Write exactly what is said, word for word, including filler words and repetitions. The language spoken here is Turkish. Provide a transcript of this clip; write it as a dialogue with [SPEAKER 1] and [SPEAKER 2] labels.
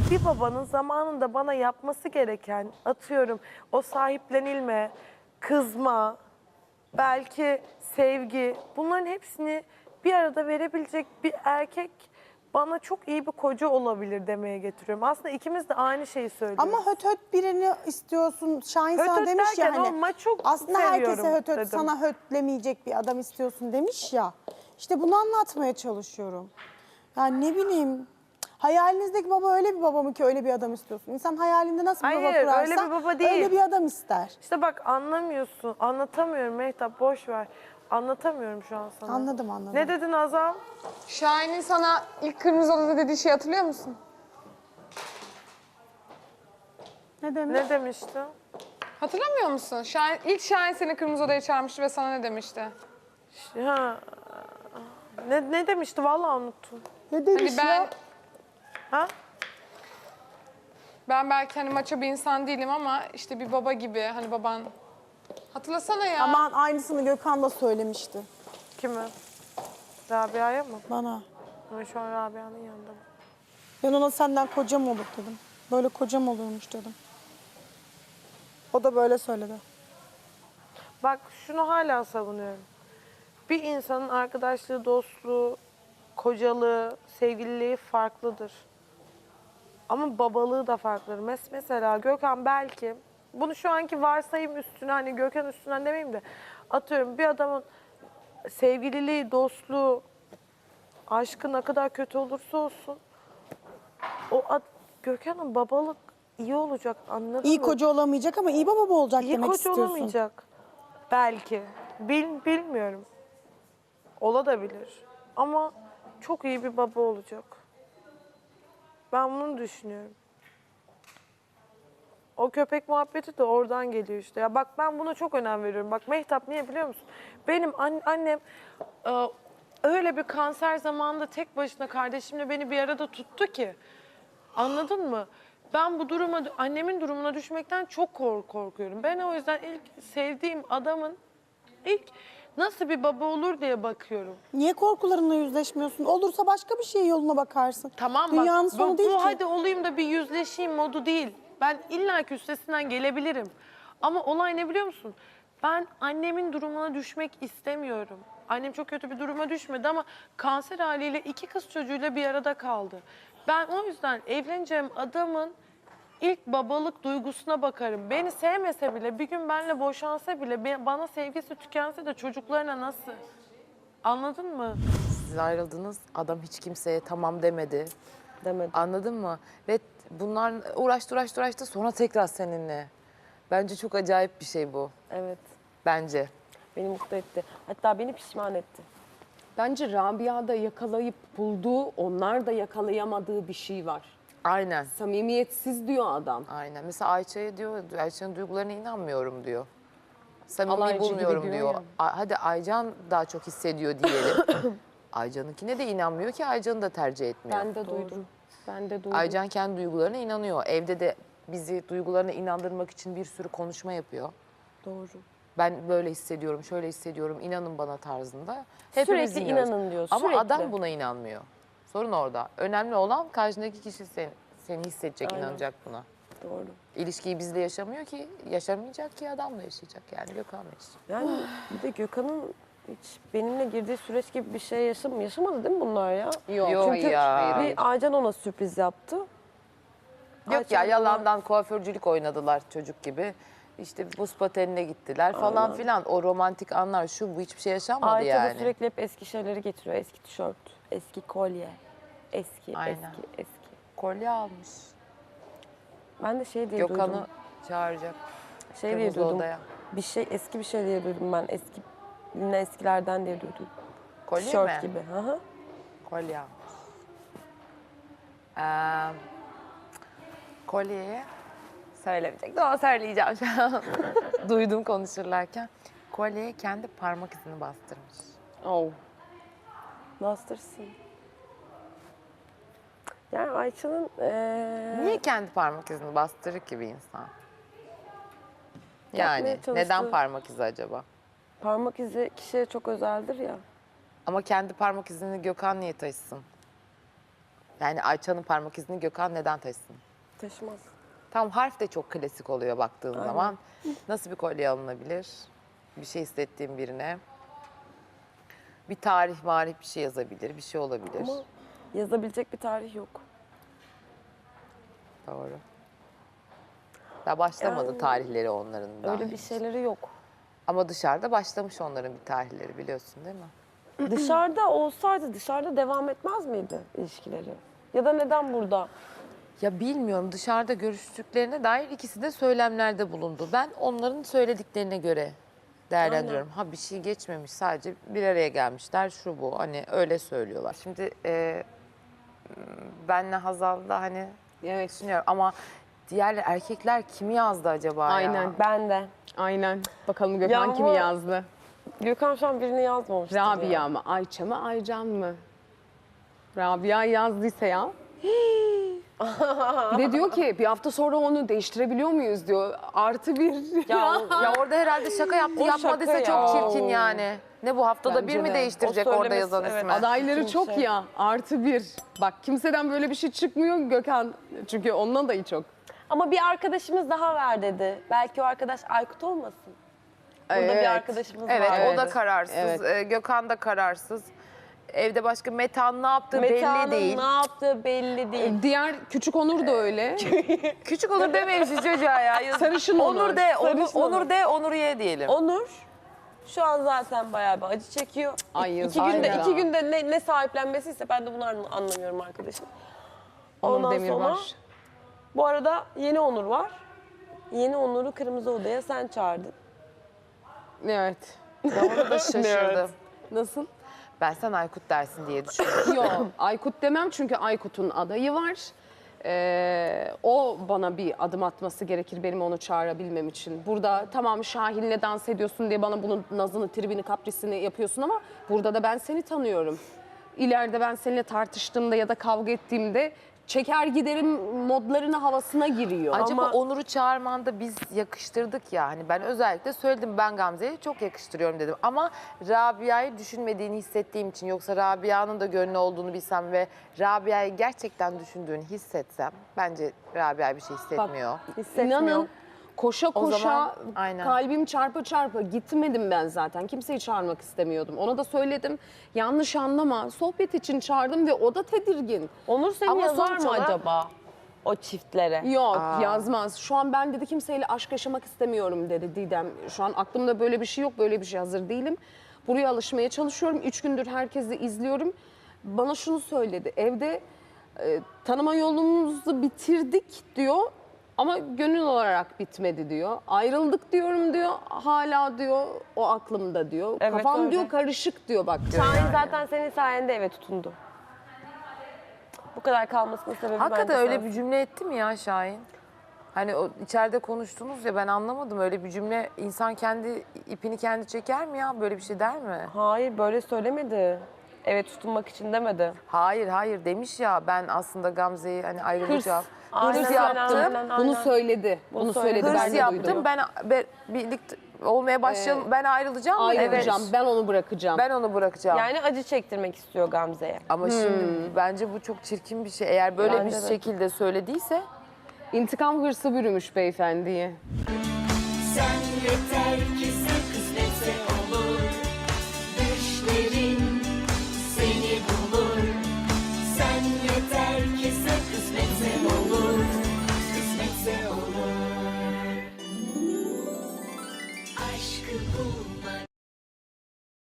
[SPEAKER 1] bir babanın zamanında bana yapması gereken, atıyorum, o sahiplenilme, kızma, belki sevgi, bunların hepsini bir arada verebilecek bir erkek bana çok iyi bir koca olabilir demeye getiriyorum. Aslında ikimiz de aynı şeyi söylüyoruz.
[SPEAKER 2] Ama höt höt birini istiyorsun. Şahin
[SPEAKER 1] Höt
[SPEAKER 2] sana
[SPEAKER 1] höt
[SPEAKER 2] demiş ya
[SPEAKER 1] derken
[SPEAKER 2] hani.
[SPEAKER 1] ama çok
[SPEAKER 2] Aslında herkese
[SPEAKER 1] seviyorum
[SPEAKER 2] höt höt
[SPEAKER 1] dedim.
[SPEAKER 2] sana hötlemeyecek bir adam istiyorsun demiş ya. İşte bunu anlatmaya çalışıyorum. Yani ne bileyim. Hayalinizdeki baba öyle bir baba mı ki öyle bir adam istiyorsun? İnsan hayalinde nasıl bir baba
[SPEAKER 1] Hayır,
[SPEAKER 2] kurarsa
[SPEAKER 1] öyle bir baba değil.
[SPEAKER 2] öyle bir adam ister.
[SPEAKER 1] İşte bak anlamıyorsun. Anlatamıyorum Mehtap, boş ver. Anlatamıyorum şu an sana.
[SPEAKER 2] Anladım, anladım.
[SPEAKER 1] Ne dedin Azal?
[SPEAKER 3] Şahin'in sana ilk Kırmızı Oda'da dediği şeyi hatırlıyor musun?
[SPEAKER 2] Ne demek?
[SPEAKER 1] Ne demişti?
[SPEAKER 3] Hatırlamıyor musun? Şahin, ilk Şahin seni Kırmızı Oda'ya çağırmıştı ve sana ne demişti?
[SPEAKER 1] Ha, ne, ne demişti? Vallahi unuttum.
[SPEAKER 2] Ne demiş
[SPEAKER 3] Hani ben
[SPEAKER 2] ya?
[SPEAKER 1] Ha?
[SPEAKER 3] ben belki hani maço bir insan değilim ama işte bir baba gibi hani baban. Hatırlasana ya.
[SPEAKER 2] Aman aynısını Gökhan da söylemişti
[SPEAKER 1] Kimi? Rabia'ya mı?
[SPEAKER 2] bana.
[SPEAKER 1] Ben şu an Rabia'nın yanında.
[SPEAKER 2] Ben ona senden kocam olur dedim. Böyle kocam olurmuş dedim. O da böyle söyledi.
[SPEAKER 1] Bak şunu hala savunuyorum. Bir insanın arkadaşlığı, dostluğu, kocalığı, sevgililiği farklıdır. Ama babalığı da farklıdır. Mes mesela Gökhan belki, bunu şu anki varsayım üstüne, hani Gökhan üstünden demeyeyim de, atıyorum bir adamın sevgililiği, dostluğu, aşkı ne kadar kötü olursa olsun, o ad, Gökhan'ın babalık iyi olacak, anladın
[SPEAKER 2] İyi
[SPEAKER 1] mı?
[SPEAKER 2] koca olamayacak ama iyi baba olacak
[SPEAKER 1] İyi
[SPEAKER 2] demek
[SPEAKER 1] koca
[SPEAKER 2] istiyorsun.
[SPEAKER 1] olamayacak. Belki. Bil, bilmiyorum. Ola da bilir. Ama çok iyi bir baba olacak. Ben bunu düşünüyorum. O köpek muhabbeti de oradan geliyor işte. Ya bak ben buna çok önem veriyorum. Bak Mehtap niye biliyor musun? Benim an- annem e, öyle bir kanser zamanında tek başına kardeşimle beni bir arada tuttu ki. Anladın mı? Ben bu duruma, annemin durumuna düşmekten çok kork korkuyorum. Ben o yüzden ilk sevdiğim adamın ilk nasıl bir baba olur diye bakıyorum.
[SPEAKER 2] Niye korkularınla yüzleşmiyorsun? Olursa başka bir şey yoluna bakarsın.
[SPEAKER 1] Tamam
[SPEAKER 2] Dünyanın
[SPEAKER 1] bak,
[SPEAKER 2] sonu
[SPEAKER 1] bu,
[SPEAKER 2] değil
[SPEAKER 1] bu
[SPEAKER 2] ki.
[SPEAKER 1] hadi olayım da bir yüzleşeyim modu değil. Ben illaki üstesinden gelebilirim. Ama olay ne biliyor musun? Ben annemin durumuna düşmek istemiyorum. Annem çok kötü bir duruma düşmedi ama kanser haliyle iki kız çocuğuyla bir arada kaldı. Ben o yüzden evleneceğim adamın ilk babalık duygusuna bakarım. Beni sevmese bile, bir gün benimle boşansa bile, be- bana sevgisi tükense de çocuklarına nasıl? Anladın mı?
[SPEAKER 4] Siz ayrıldınız, adam hiç kimseye tamam demedi.
[SPEAKER 5] Demedi.
[SPEAKER 4] Anladın mı? Ve bunlar uğraştı uğraştı uğraştı sonra tekrar seninle. Bence çok acayip bir şey bu.
[SPEAKER 5] Evet.
[SPEAKER 4] Bence.
[SPEAKER 5] Beni mutlu etti. Hatta beni pişman etti.
[SPEAKER 6] Bence Rabia da yakalayıp bulduğu, onlar da yakalayamadığı bir şey var.
[SPEAKER 4] Aynen.
[SPEAKER 6] Samimiyetsiz diyor adam.
[SPEAKER 4] Aynen. Mesela Ayça'ya diyor, Ayça'nın duygularına inanmıyorum diyor. Samimi
[SPEAKER 6] Alaycı gibi
[SPEAKER 4] bulmuyorum
[SPEAKER 6] diyor
[SPEAKER 4] diyor.
[SPEAKER 6] ya.
[SPEAKER 4] A- Hadi Aycan daha çok hissediyor diyelim. Aycan'ınkine de inanmıyor ki Aycan'ı da tercih etmiyor.
[SPEAKER 6] Ben de duydum. Ben de duydum.
[SPEAKER 4] Aycan kendi duygularına inanıyor. Evde de bizi duygularına inandırmak için bir sürü konuşma yapıyor.
[SPEAKER 5] Doğru.
[SPEAKER 4] Ben böyle hissediyorum, şöyle hissediyorum, inanın bana tarzında. Hepimiz
[SPEAKER 5] Sürekli
[SPEAKER 4] dinliyoruz.
[SPEAKER 5] inanın diyor,
[SPEAKER 4] Ama
[SPEAKER 5] sürekli.
[SPEAKER 4] adam buna inanmıyor. Sorun orada. Önemli olan karşındaki kişi seni, seni hissedecek,
[SPEAKER 5] Aynen.
[SPEAKER 4] inanacak buna.
[SPEAKER 5] Doğru.
[SPEAKER 4] İlişkiyi bizle yaşamıyor ki, yaşamayacak ki adamla yaşayacak yani Gökhan'la yaşayacak.
[SPEAKER 5] Yani bir de Gökhan'ın hiç benimle girdiği süreç gibi bir şey yaşam yaşamadı değil mi bunlar ya?
[SPEAKER 6] Yok,
[SPEAKER 4] Yok
[SPEAKER 5] Çünkü
[SPEAKER 4] ya.
[SPEAKER 5] bir Aycan ona sürpriz yaptı.
[SPEAKER 4] Yok ya,
[SPEAKER 5] Aycan
[SPEAKER 4] yalandan kuaförcülük oynadılar çocuk gibi. İşte buz patenine gittiler falan filan. O romantik anlar şu bu hiçbir şey yaşanmadı
[SPEAKER 5] Ayça
[SPEAKER 4] yani.
[SPEAKER 5] da sürekli hep eski şeyleri getiriyor. Eski tişört, eski kolye, eski,
[SPEAKER 4] Aynen.
[SPEAKER 5] eski, eski.
[SPEAKER 4] Kolye almış.
[SPEAKER 5] Ben de şey diye
[SPEAKER 4] Gökhan'ı
[SPEAKER 5] duydum.
[SPEAKER 4] çağıracak.
[SPEAKER 5] Şey diye
[SPEAKER 4] Kırmızı
[SPEAKER 5] duydum.
[SPEAKER 4] Oda'ya.
[SPEAKER 5] Bir şey eski bir şey diye duydum ben. Eski yine eskilerden diye duydum.
[SPEAKER 4] Kolye
[SPEAKER 5] Tişört
[SPEAKER 4] mi?
[SPEAKER 5] gibi. Hı hı.
[SPEAKER 4] Kolye almış. Ee, kolyeye söylemeyecektim ama söyleyeceğim şu an. Duydum konuşurlarken. Kolyeye kendi parmak izini bastırmış.
[SPEAKER 5] Oh. Bastırsın. Yani Ayça'nın eee
[SPEAKER 4] Niye kendi parmak izini bastırır ki bir insan? Yani
[SPEAKER 5] Yapmaya
[SPEAKER 4] neden
[SPEAKER 5] çalıştığı-
[SPEAKER 4] parmak izi acaba?
[SPEAKER 5] parmak izi kişiye çok özeldir ya.
[SPEAKER 4] Ama kendi parmak izini Gökhan niye taşısın? Yani Ayça'nın parmak izini Gökhan neden taşısın?
[SPEAKER 5] Taşımaz.
[SPEAKER 4] Tam harf de çok klasik oluyor baktığın zaman. Nasıl bir kolye alınabilir? Bir şey hissettiğim birine. Bir tarih marih bir şey yazabilir, bir şey olabilir.
[SPEAKER 5] Ama yazabilecek bir tarih yok.
[SPEAKER 4] Doğru. Daha başlamadı
[SPEAKER 5] Yani-
[SPEAKER 4] tarihleri onların daha
[SPEAKER 5] Öyle bir
[SPEAKER 4] henüz.
[SPEAKER 5] şeyleri yok.
[SPEAKER 4] Ama dışarıda başlamış onların bir tarihleri biliyorsun değil mi?
[SPEAKER 5] Dışarıda olsaydı dışarıda devam etmez miydi ilişkileri? Ya da neden burada?
[SPEAKER 4] Ya bilmiyorum dışarıda görüştüklerine dair ikisi de söylemlerde bulundu. Ben onların söylediklerine göre değerlendiriyorum. Ha bir şey geçmemiş sadece bir araya gelmişler şu bu hani öyle söylüyorlar. Şimdi e, benle Hazal'da hani
[SPEAKER 6] Evet.
[SPEAKER 4] düşünüyorum ama diğer erkekler kimi yazdı acaba ya?
[SPEAKER 6] Aynen.
[SPEAKER 5] Ben de.
[SPEAKER 6] Aynen. Bakalım Gökhan
[SPEAKER 5] Ya
[SPEAKER 6] kimi
[SPEAKER 5] ama-
[SPEAKER 6] yazdı?
[SPEAKER 5] Gökhan şu an birini yazmamıştır ya.
[SPEAKER 6] Rabia mı, Ayça mı, Aycan mı? Rabia yazdıysa ya. Bir de diyor ki bir hafta sonra onu değiştirebiliyor muyuz diyor. Artı bir.
[SPEAKER 5] Ya,
[SPEAKER 4] Ya orada herhalde şaka yaptı
[SPEAKER 5] O
[SPEAKER 4] yapmadıysa
[SPEAKER 5] şaka
[SPEAKER 4] çok
[SPEAKER 5] ya.
[SPEAKER 4] çirkin yani. Ne bu haftada
[SPEAKER 6] Bence
[SPEAKER 4] bir mi
[SPEAKER 6] de.
[SPEAKER 4] değiştirecek
[SPEAKER 5] O
[SPEAKER 4] orada
[SPEAKER 5] söylemesi,
[SPEAKER 4] yazan
[SPEAKER 5] evet.
[SPEAKER 4] ismi?
[SPEAKER 6] Adayları
[SPEAKER 5] Çirkin
[SPEAKER 6] çok
[SPEAKER 5] şey.
[SPEAKER 6] ya. Artı bir. Bak kimseden böyle bir şey çıkmıyor Gökhan. Çünkü ondan adayı çok.
[SPEAKER 5] Ama bir arkadaşımız daha var dedi. Belki o arkadaş Aykut olmasın. Burada
[SPEAKER 6] Evet.
[SPEAKER 5] bir arkadaşımız
[SPEAKER 4] Evet,
[SPEAKER 5] var.
[SPEAKER 4] o da
[SPEAKER 6] Evet.
[SPEAKER 4] kararsız.
[SPEAKER 6] Evet.
[SPEAKER 4] Ee, Gökhan da kararsız. Evde başka Metehan ne yaptığı
[SPEAKER 5] Meta'nın
[SPEAKER 4] belli değil.
[SPEAKER 5] ne yaptığı belli değil.
[SPEAKER 6] Diğer küçük Onur da öyle.
[SPEAKER 4] Küçük Onur dememişiz çocuğa ya. Yazık.
[SPEAKER 6] Sarışın Onur.
[SPEAKER 4] Onur de, Onur,
[SPEAKER 5] Sarışın
[SPEAKER 4] Onur
[SPEAKER 5] Onur.
[SPEAKER 4] de, Onur ye diyelim.
[SPEAKER 5] Onur şu an zaten bayağı bir acı çekiyor.
[SPEAKER 6] Ay,
[SPEAKER 5] iki günde
[SPEAKER 6] aynen.
[SPEAKER 5] iki günde ne, ne sahiplenmesiyse ben de bunu anla- anlamıyorum arkadaşım.
[SPEAKER 6] Onur
[SPEAKER 5] Ondan
[SPEAKER 6] Demir
[SPEAKER 5] sonra
[SPEAKER 6] var.
[SPEAKER 5] bu arada yeni Onur var. Yeni Onur'u Kırmızı Oda'ya sen çağırdın.
[SPEAKER 6] Evet.
[SPEAKER 4] Ben ona da şaşırdım.
[SPEAKER 6] Nasıl?
[SPEAKER 4] Ben sen Aykut dersin diye düşündüm.
[SPEAKER 6] Yok Aykut demem çünkü Aykut'un adayı var. Ee, o bana bir adım atması gerekir benim onu çağırabilmem için. Burada tamam Şahin'le dans ediyorsun diye bana bunun nazını, tribini, kaprisini yapıyorsun ama burada da ben seni tanıyorum. İleride ben seninle tartıştığımda ya da kavga ettiğimde çeker giderim modlarına havasına giriyor.
[SPEAKER 4] Acaba
[SPEAKER 5] Ama-
[SPEAKER 4] Onur'u çağırmanda biz yakıştırdık ya. Hani ben özellikle söyledim ben Gamze'yi çok yakıştırıyorum dedim. Ama Rabia'yı düşünmediğini hissettiğim için yoksa Rabia'nın da gönlü olduğunu bilsem ve Rabia'yı gerçekten düşündüğünü hissetsem bence Rabia bir şey hissetmiyor.
[SPEAKER 5] Hissetmiyor.
[SPEAKER 6] İnanın koşa koşa
[SPEAKER 4] zaman, aynen.
[SPEAKER 6] kalbim çarpa çarpa gitmedim ben zaten. Kimseyi çağırmak istemiyordum. Ona da söyledim. Yanlış anlama. Sohbet için çağırdım ve o da tedirgin.
[SPEAKER 5] Onur seni
[SPEAKER 4] Ama
[SPEAKER 5] yazar
[SPEAKER 4] sonuç
[SPEAKER 5] mı
[SPEAKER 4] olarak-
[SPEAKER 5] acaba o çiftlere?
[SPEAKER 6] Yok yazmaz. Şu an ben dedi kimseyle aşk yaşamak istemiyorum dedi Didem. Şu an aklımda böyle bir şey yok. Böyle bir şey hazır değilim. Buraya alışmaya çalışıyorum. Üç gündür herkesi izliyorum. Bana şunu söyledi. Evde e, tanıma yolumuzu bitirdik diyor. Ama gönül olarak bitmedi diyor. Ayrıldık diyorum diyor. Hala diyor o aklımda diyor.
[SPEAKER 5] Evet,
[SPEAKER 6] Kafam
[SPEAKER 5] öyle.
[SPEAKER 6] diyor karışık diyor bak.
[SPEAKER 5] Şahin zaten senin sayende eve tutundu. Bu kadar kalmasının sebebi
[SPEAKER 4] Hakikaten
[SPEAKER 5] bence
[SPEAKER 4] öyle
[SPEAKER 5] sensin.
[SPEAKER 4] bir cümle etti mi ya Şahin? Hani o içeride konuştunuz ya ben anlamadım öyle bir cümle insan kendi ipini kendi çeker mi ya böyle bir şey der mi?
[SPEAKER 5] Hayır böyle söylemedi. Eve tutunmak için demedi.
[SPEAKER 4] Hayır hayır demiş ya ben aslında Gamze'yi hani ayrılacağım.
[SPEAKER 5] Aynen,
[SPEAKER 4] Hırs
[SPEAKER 5] aynen,
[SPEAKER 4] yaptım.
[SPEAKER 5] aynen, aynen.
[SPEAKER 6] Bunu söyledi. Bunu,
[SPEAKER 5] söyledi.
[SPEAKER 6] söyledi.
[SPEAKER 4] Hırs
[SPEAKER 6] Ben de
[SPEAKER 4] yaptım
[SPEAKER 6] duydum.
[SPEAKER 4] ben be- birlikte olmaya başlayalım ben ayrılacağım mı?
[SPEAKER 6] Ayrılacağım.
[SPEAKER 4] Evet.
[SPEAKER 6] Ben onu bırakacağım.
[SPEAKER 4] Ben onu bırakacağım.
[SPEAKER 5] Yani acı çektirmek istiyor Gamze'ye.
[SPEAKER 4] Ama şimdi bence bu çok çirkin bir şey. Eğer böyle
[SPEAKER 5] Bence
[SPEAKER 4] bir
[SPEAKER 5] de.
[SPEAKER 4] şekilde söylediyse
[SPEAKER 6] İntikam hırsı bürümüş beyefendiyi.
[SPEAKER 7] Sen yeter ki sen kısmetse olur. Düşlerin seni bulur. Sen yeter ki sen kısmetse olur. Kısmetse olur. Aşkı bulmak